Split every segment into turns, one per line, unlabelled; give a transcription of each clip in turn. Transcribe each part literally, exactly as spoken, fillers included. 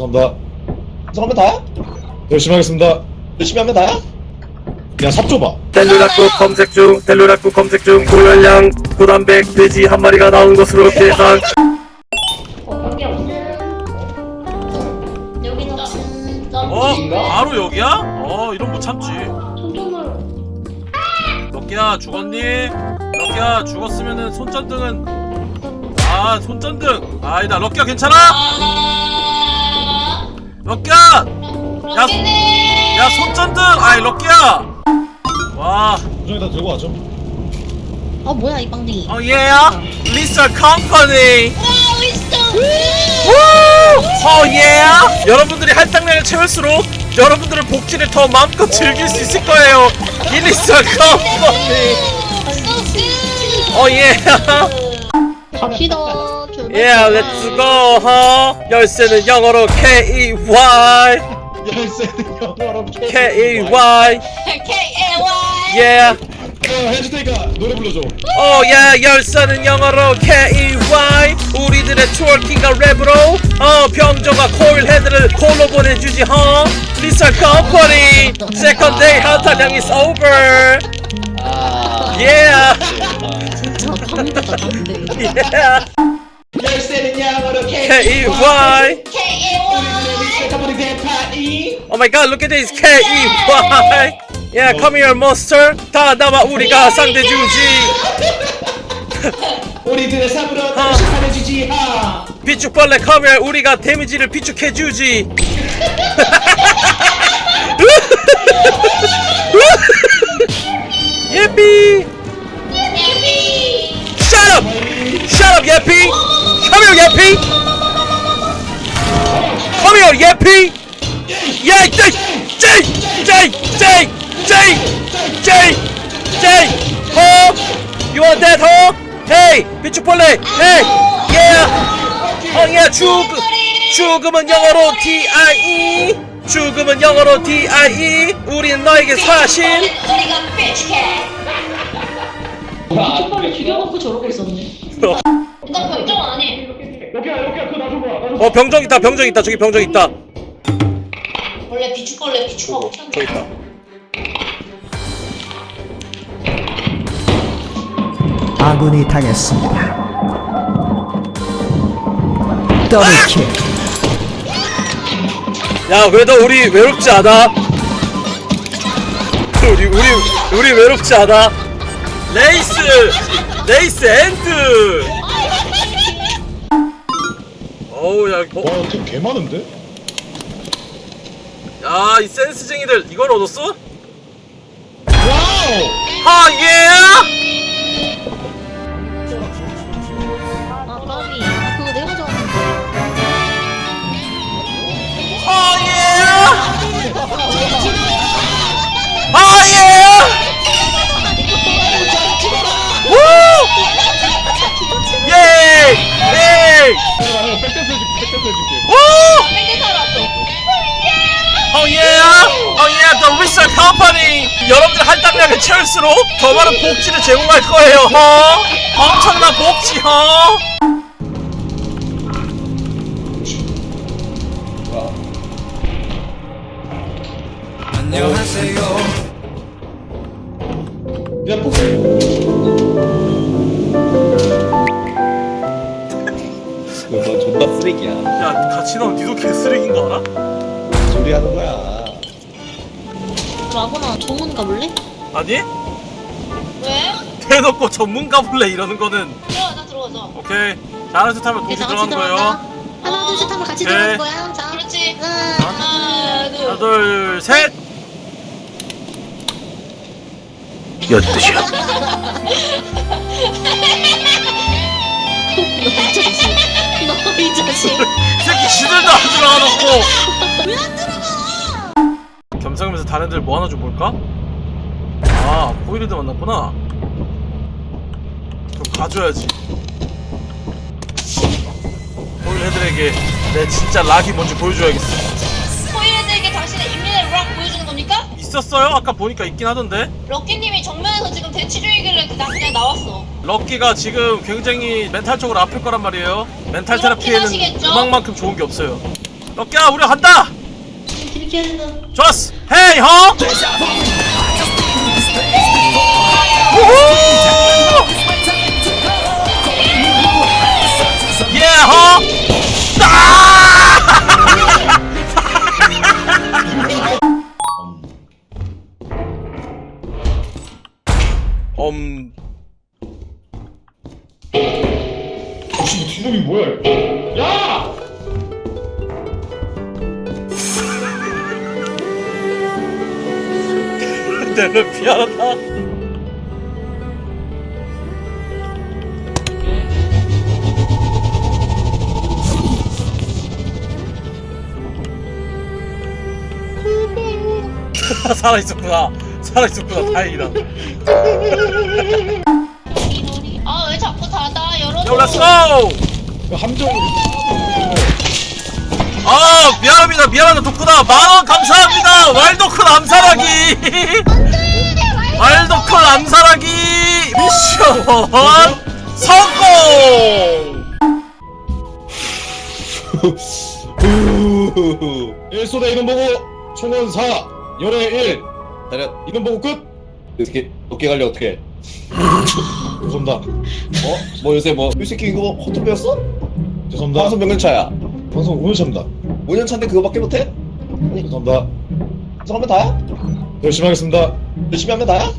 죄송합니다.
그래서 하면 다야?
열심히 하겠습니다.
열심히 하면 다야?
야, 삽 줘봐.
텔루라쿠 검색 중, 텔루라쿠 검색 중. 고열량 구단백 돼지 한 마리가 나온 것으로 계산.
어, 여기 없음. 여기는 없음.
어? 바로 여기야? 어 이런 못 참지.
손톱을.
럭키야 죽었니? 럭키야 죽었으면은 손전등은 아 손전등 아니다. 럭키야 괜찮아?
아.
럭키야 야, 야 손전등 아이 럭키야 와
부정이 다 들고 와줘.
어 뭐야 이 빵댕이.
어 예야 리서 컴퍼니
와 wisdom.
어 예야 여러분들이 할당량을 채울수록 여러분들의 복지를 더 마음껏 즐길 수 있을 거예요. 이 리서 컴퍼니 어 예야
갑시다.
Yeah, let's go, huh? 열쇠는 영어로 K E Y
열쇠는 영어로
K E Y
K A Y.
Yeah
어, 해줄 테니까 노래 불러줘.
Oh yeah 열쇠는 영어로 K E Y 우리들의 트월킹과 랩으로 어 병조가 코일 헤드를 콜로 보내주지 huh? 리사 컴퍼니 세컨 데이 할당량 is over Yeah
진짜 방대다 방대.
Yeah
열쇠는 영어로
K E Y
K A Y.
세카보리 대파이.
Oh my god, look at this K E Y. Yeah, come here, monster. 다 나와 우리가 상대주지.
우리들의 삽으로 단식하내주지 하.
비축벌레 come here, 우리가 데미지를 비축해주지. 예삐. Shut up. Shut up, 예삐. Come here, 예삐. Come here, 예삐. Yeah, J, J, J, J, J, J, J. Huh? You want that, huh? Hey, 비축벌레. Hey, yeah. 어, yeah, 죽, 죽음은 영어로 D I E. 죽음은 영어로 D I E. 우리는 너에게 사신.
우리가 bitchcat. 비축벌레 죽여놓고 저러고 있었네. 나 걱정 안 해.
여기야 여기야 그거 놔줘봐 놔줘봐.
어, 병정 있다, 병정 있다. 저기 병정 있다.
원래 비축벌레 비축하고 튀었네.
저기 있다.
아군이 당했습니다. 더블킬.
야, 그래도 우리 외롭지 않아. 우리 우리 우리 외롭지 않아. 레이스, 레이스 엔드. 어우 야, 어?
와, 팀 개 많은데?
야, 이 센스쟁이들 이걸 얻었어?
와우!
아 예.
아 까비. 아 그거 내가 좋아하는데.
아 예. 아 예. 우! 예! 예!
백댄스 해줄게, 백댄스 해줄게.
우!
뺑뺑 살았어.
Oh yeah! Oh yeah! The Research Company! 여러분들 할당량을 채울수록 더 많은 복지를 제공할 거예요, 허! 엄청난 복지, 허!
야 폭. 너 존나 쓰레기야.
야, 같이 나온 니도 개쓰레기인 거 알아?
소리 하는 거야.
라고나 조문 가볼래?
아니?
왜?
대놓고 전문가 볼래 이러는 거는
들어가자 들어가자.
오케이. 잘하는 듯 하면 동시에 들어가는 거예요.
하나 둘 셋 하면 같이
오케이.
들어가는 거야. 자. 그렇지. 하나 둘.
하나, 둘, 셋! 엿드셔.
너이 자식. 너이 자식.
이 새끼 지들도 안 들어가 놓고!
왜 안 들어가?
겸사겸사 다른 애들 뭐 하나 좀 볼까? 아, 포일드 만났구나. 그럼 가줘야지. 포일 애들에게 내 진짜 락이 뭔지 보여줘야겠어.
포일들에게 당신의 인민의 락 보여주는 겁니까?
있었어요? 아까 보니까 있긴 하던데.
럭키님이 정면에서 지금 대치 중이길래 나 그냥 나왔어.
럭키가 지금 굉장히 멘탈적으로 아플 거란 말이에요. 멘탈
그렇긴
테라피에는
하시겠죠?
음악만큼 좋은 게 없어요. 럭키야 우리 간다.
이렇게 한다.
좋았어. 헤이 허. 우후. 예 허. 음.
혹시 뒷놈이 뭐야? 야!
내가 미안하다. 살아있었구나. 살아있었구나. 다행이다.
아, 왜 자꾸 닫아? 열어줘.
요 렛츠고!
함정으로.
아 미안합니다. 미안합니다. 덕후다. 만원 감사합니다. 왈도큰 암살하기. 왈도큰 암살하기 미션 성공.
일 소대 이름 보고 총원 사 열애 일
다려.
이름 보고 끝.
어떻게 어깨 관리 어떻게?
죄송합니다.
어? 뭐 요새 뭐 이 새끼 이거 허투 배웠어?
죄송합니다.
방송 몇 년 차야?
방송 오 년 차입니다.
오 년 차인데 그거밖에 못해?
죄송합니다.
방송하면 다야?
열심히 하겠습니다.
열심히 하면 다야?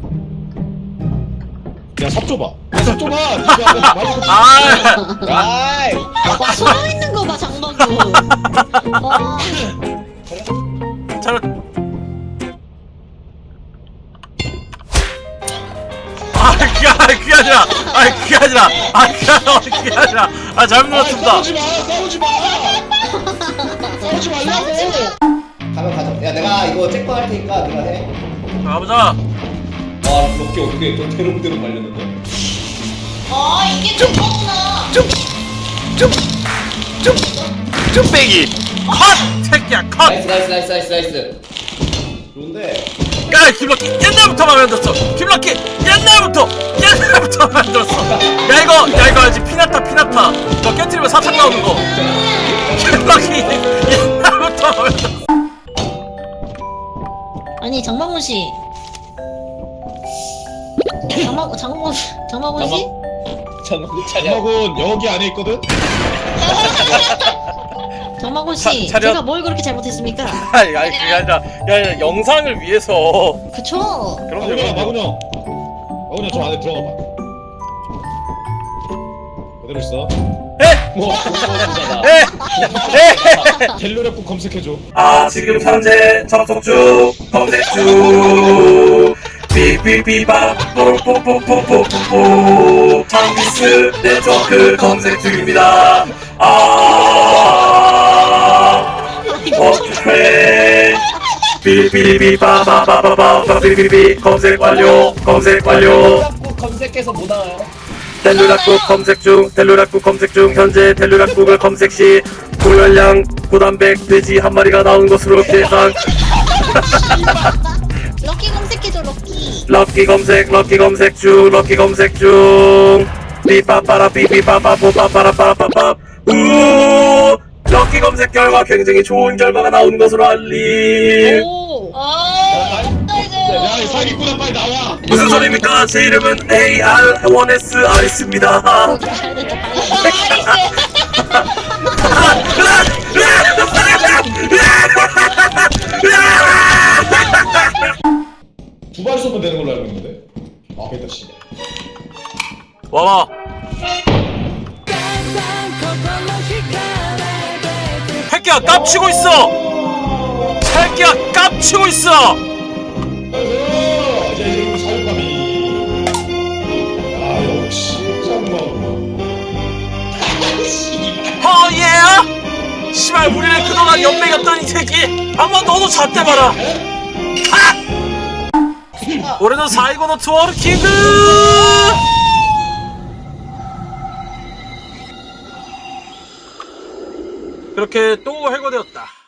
야, 삽 줘봐. 야, 삽 줘봐. 진짜 말도 못-
아
아이.
와, 숨어 있는 거 봐, 장방구. 와.
잘. 아 그게 아 그게 아니라 아 그게 아니라 아 그게 아니라 그게 아니라 아 잘못
아,
눌렀습니다.
싸우지 마. 싸우지 마. 싸우지 말라고.
가면 가자. 야 내가 이거 잭방 할 테니까 네가 해.
가보자.
와 어깨 어떻게 또 대롱대롱 말렸는데?
아, 이게 저거구나.
쭈빼기 컷 새끼야 컷.
나이스 나이스 나이스 나이스 나이스. 좋은데.
야 김럭키 옛날부터 마음에 안 들었어. 김럭키 옛날부터 옛날부터 마음에 안 들었어. 야 이거 야 이거 알지? 피나타 피나타 너 깨트리면 사탕 나오는 거. 김럭키 옛날부터 마음에 안 들었어.
아니, 장방구 씨. 장방, 장방구, 장방구 씨?
장군 차려.
엄마군 여기 안에 있거든.
장방구
차-
씨.
차렷.
제가 뭘 그렇게 잘못했습니까?
아니 아니 그게 아니라 야, 야 영상을 위해서.
그쵸?
그럼요
마군형,
그럼요.
마군형. 마군형 저 안에 들어가 봐. 그대로 있어.
에?
뭐 그거잖아.
에? 에?
갤러랩국 검색해줘.
아 지금 현재 접속 중 검색 중 삐삐삐바 뽀뽀뽀뽀뽀뽀 장비스 네트워크 검색 중입니다. 아 어떻게 삐삐삐바바바바바 삐삐삐 검색 완료 검색 완료.
자꾸 검색해서 못 나와요.
텔루락국 검색 중 텔루락국 검색 중 현재 텔루락국을 검색 시 고열량 고단백 돼지 한 마리가 나온 것으로 계산.
럭키 검색해줘, 럭키.
럭키 검색 럭키 검색 중 럭키 검색 중 삐빠빠라 삐삐빠빠뽀빠빠라빠라빠빠 우 럭키 검색 결과 굉장히 좋은 결과가 나온 것으로 알림.
오. 아,
야, 이 사기꾼아 빨리 나와.
무슨 소리입니까? 제 이름은 에이알 원 에스 아리스입니다.
잘 됐다,
두 발 쏘면 되는 걸로 알고 있는데. 아, 됐다 씨.
와봐. 새끼야 깝치고 있어. 새끼야 깝치고 있어.
안녕하세요. 이제 이제 우리 사육감이. 아, 역시 장마.
어예. 씨발 우리를 그동안 연맥였던 이 새끼 한번 너도 잣대봐라. 아! 올해도 사이고노 투어르 킹그. 그렇게 또 해고되었다.